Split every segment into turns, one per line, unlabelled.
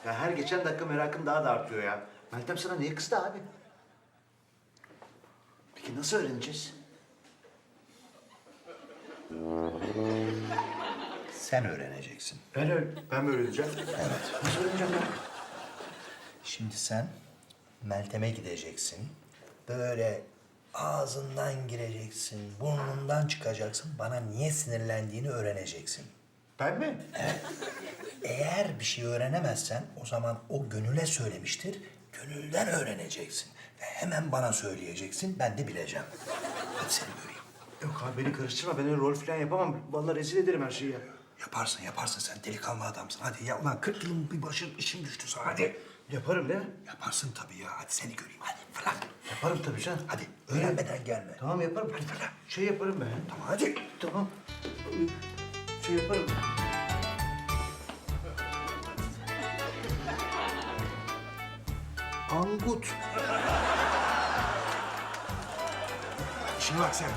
Ya her geçen dakika merakın daha da artıyor ya. Meltem sana niye kızdı abi? Peki nasıl öğreneceğiz?
Sen öğreneceksin.
Ben mi öğreneceğim?
Evet.
Nasıl öğreneceğim ya?
Şimdi sen Meltem'e gideceksin. Böyle ağzından gireceksin, burnundan çıkacaksın. Bana niye sinirlendiğini öğreneceksin.
Ben mi?
Eğer bir şey öğrenemezsen o zaman o Gönül'e söylemiştir. Gönül'den öğreneceksin. Ve hemen bana söyleyeceksin. Ben de bileceğim. Hadi seni göreyim.
Yok abi beni karıştırma. Ben öyle rol falan yapamam. Vallahi rezil ederim her şeyi ya.
Yaparsın sen delikanlı adamsın. Hadi ya ulan 40 yılın bir başın işin düştü sana. Hadi.
Yaparım değil mi?
Yaparsın tabii ya. Hadi seni göreyim. Hadi fırla.
Yaparım tabii canım.
Hadi öğrenmeden gelme.
Tamam yaparım. Hadi fırla. Şey yaparım ben.
Tamam hadi.
Tamam. Şey yaparım.
Angut. İşine bak sen.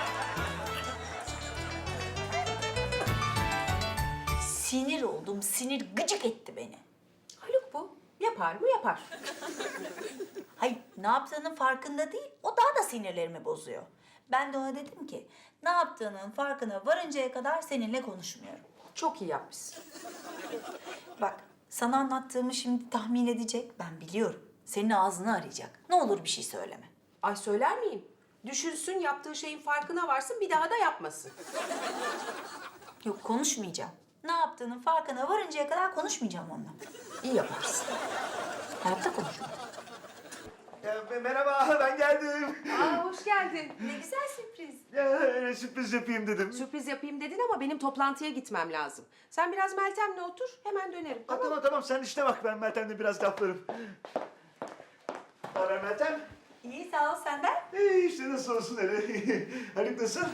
Sinir oldum, sinir gıcık etti beni.
Haluk bu. Yapar mı yapar.
Hayır, ne yaptığının farkında değil, o daha da sinirlerimi bozuyor. Ben de ona dedim ki, ne yaptığının farkına varıncaya kadar seninle konuşmuyorum.
Çok iyi yapmışsın.
Bak, sana anlattığımı şimdi tahmin edecek, ben biliyorum. Senin ağzını arayacak. Ne olur bir şey söyleme.
Ay söyler miyim? Düşünsün, yaptığı şeyin farkına varsın, bir daha da yapmasın.
Yok, konuşmayacağım. Ne yaptığının farkına varıncaya kadar konuşmayacağım onunla.
İyi yaparsın.
Hayatta konuşmam.
Merhaba ben geldim.
Aa, hoş geldin.
Ne güzel sürpriz.
Ya öyle sürpriz yapayım dedim.
Sürpriz yapayım dedin ama benim toplantıya gitmem lazım. Sen biraz Meltem'le otur, hemen dönerim.
Ha, tamam sen işte bak ben Meltem'le biraz laflarım. Ne haber Meltem?
İyi, sağ ol senden.
İşte nasıl olsun öyle. Haluk nasıl?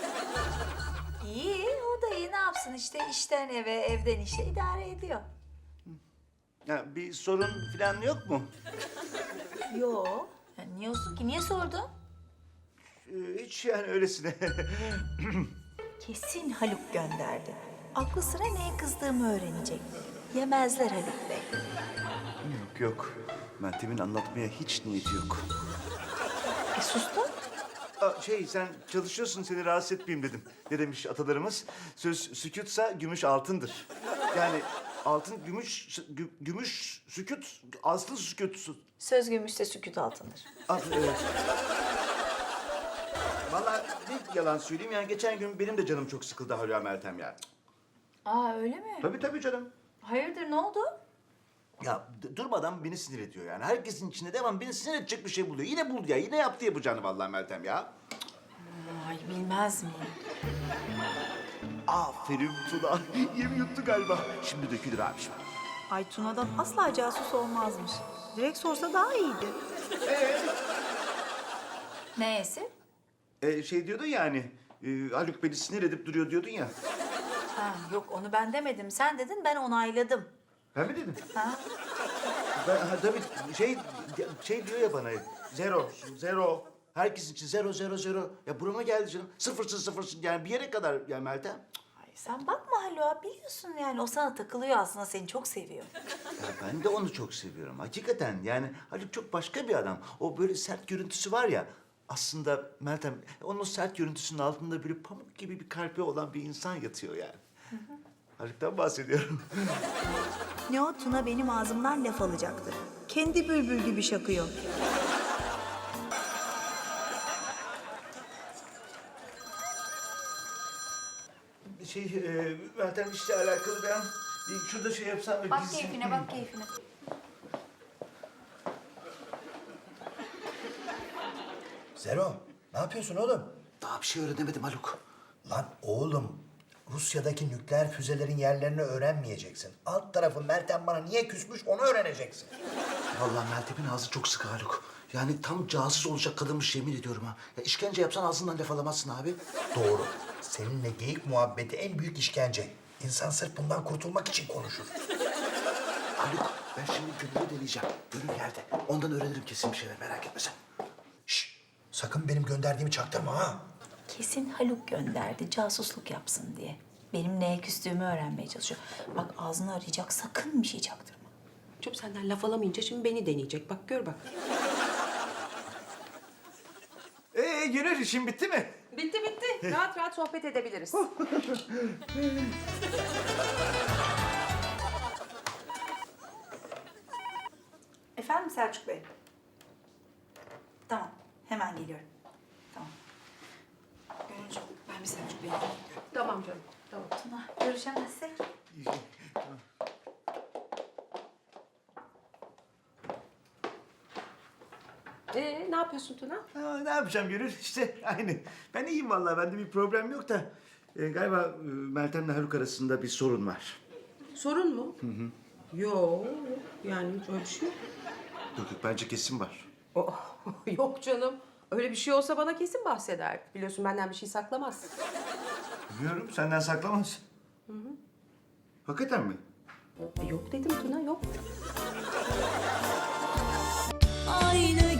İyi, o da iyi. Ne yapsın işte işten eve, evden işe idare ediyor.
Ya bir sorun falan yok mu?
Yo. Ya niye olsun ki? Niye sordun?
Hiç yani öylesine.
Kesin Haluk gönderdi. Aklı sıra neye kızdığımı öğrenecek. Yemezler Haluk Bey.
Yok. Meltem'in anlatmaya hiç niyeti yok.
Sustun.
Sen çalışıyorsun seni rahatsız etmeyeyim dedim. Ne demiş atalarımız? Söz sükutsa gümüş altındır. Yani altın gümüş sükut aslı sükut.
Söz gümüşte sükût altındır.
Evet. Vallahi ne yalan söyleyeyim yani geçen gün benim de canım çok sıkıldı Hülya Meltem ya.
Aa öyle mi?
Tabii canım.
Hayırdır ne oldu?
Ya durmadan beni sinir ediyor yani. Herkesin içinde devam beni sinir edecek bir şey buluyor. Yine buldu ya. Yine yaptı yapacağını vallahi Meltem ya.
Ay bilmez miyim?
Aferin Tuna. Yemi yuttu galiba. Şimdi dökülür abiciğim.
Ay Tuna'dan asla casus olmazmış. Direkt sorsa daha iyiydi. Neyse?
Şey diyordun ya hani, Haluk beni sinir edip duruyor diyordun ya.
Ha, yok onu ben demedim. Sen dedin ben onayladım.
Ben mi dedim?
Ha?
Tabii şey diyor ya bana, zero. Herkes için zero. Ya burama geldi canım. Sıfırsın yani bir yere kadar ya Meltem.
Ay sen bakma Haluk'a biliyorsun yani o sana takılıyor aslında seni çok seviyor.
Ya ben de onu çok seviyorum. Hakikaten yani Haluk çok başka bir adam. O böyle sert görüntüsü var ya. Aslında Meltem onun o sert görüntüsünün altında böyle pamuk gibi bir kalbi olan bir insan yatıyor yani. Haluk'tan bahsediyorum.
Ne o Tuna benim ağzımdan laf alacaktı. Kendi bülbül gibi şakıyor.
Meltem işle alakalı ben şurada şey yapsam...
Bak keyfine bak keyfine.
Zero, ne yapıyorsun oğlum?
Daha bir şey öğrenemedim Haluk.
Lan oğlum, Rusya'daki nükleer füzelerin yerlerini öğrenmeyeceksin. Alt tarafı Meltem bana niye küsmüş onu öğreneceksin.
Vallahi Meltem'in ağzı çok sıkı Haluk. Yani tam casus olacak kadınmış yemin ediyorum ha. Ya işkence yapsan ağzından laf alamazsın abi.
Doğru. Seninle geyik muhabbeti en büyük işkence. İnsan sırf bundan kurtulmak için konuşur.
Haluk ben şimdi Gönül'ü deneyeceğim. Gönül yerde. Ondan öğrenirim kesin bir şeyler merak etme sen.
Şşş, sakın benim gönderdiğimi çaktırma ha.
Kesin Haluk gönderdi casusluk yapsın diye. Benim neye küstüğümü öğrenmeye çalışıyor. Bak ağzını arayacak sakın bir şey çaktırma.
Çok senden laf alamayınca şimdi beni deneyecek. Bak gör bak.
Gönül işin bitti mi?
Bitti bitti. Rahat rahat sohbet edebiliriz.
Efendim Selçuk Bey? Tamam, hemen geliyorum. Tamam. Gönülcüğüm, ben bir Selçuk Bey'e gidiyorum.
Tamam canım. Tamam.
Tuna, görüşemezsek?
Ne yapıyorsun Tuna?
Ne yapacağım Gönül? İşte aynı. Ben iyiyim vallahi. Bende bir problem yok da. Galiba Meltem'le Haluk arasında bir sorun var.
Sorun mu? Yok. Yani öyle bir şey yok.
Yok yok, bence kesin var.
Oh, yok canım. Öyle bir şey olsa bana kesin bahseder. Biliyorsun benden bir şey saklamaz.
Biliyorum, senden saklamaz. Hakikaten mi?
Yok dedim Tuna, yok.
Aynı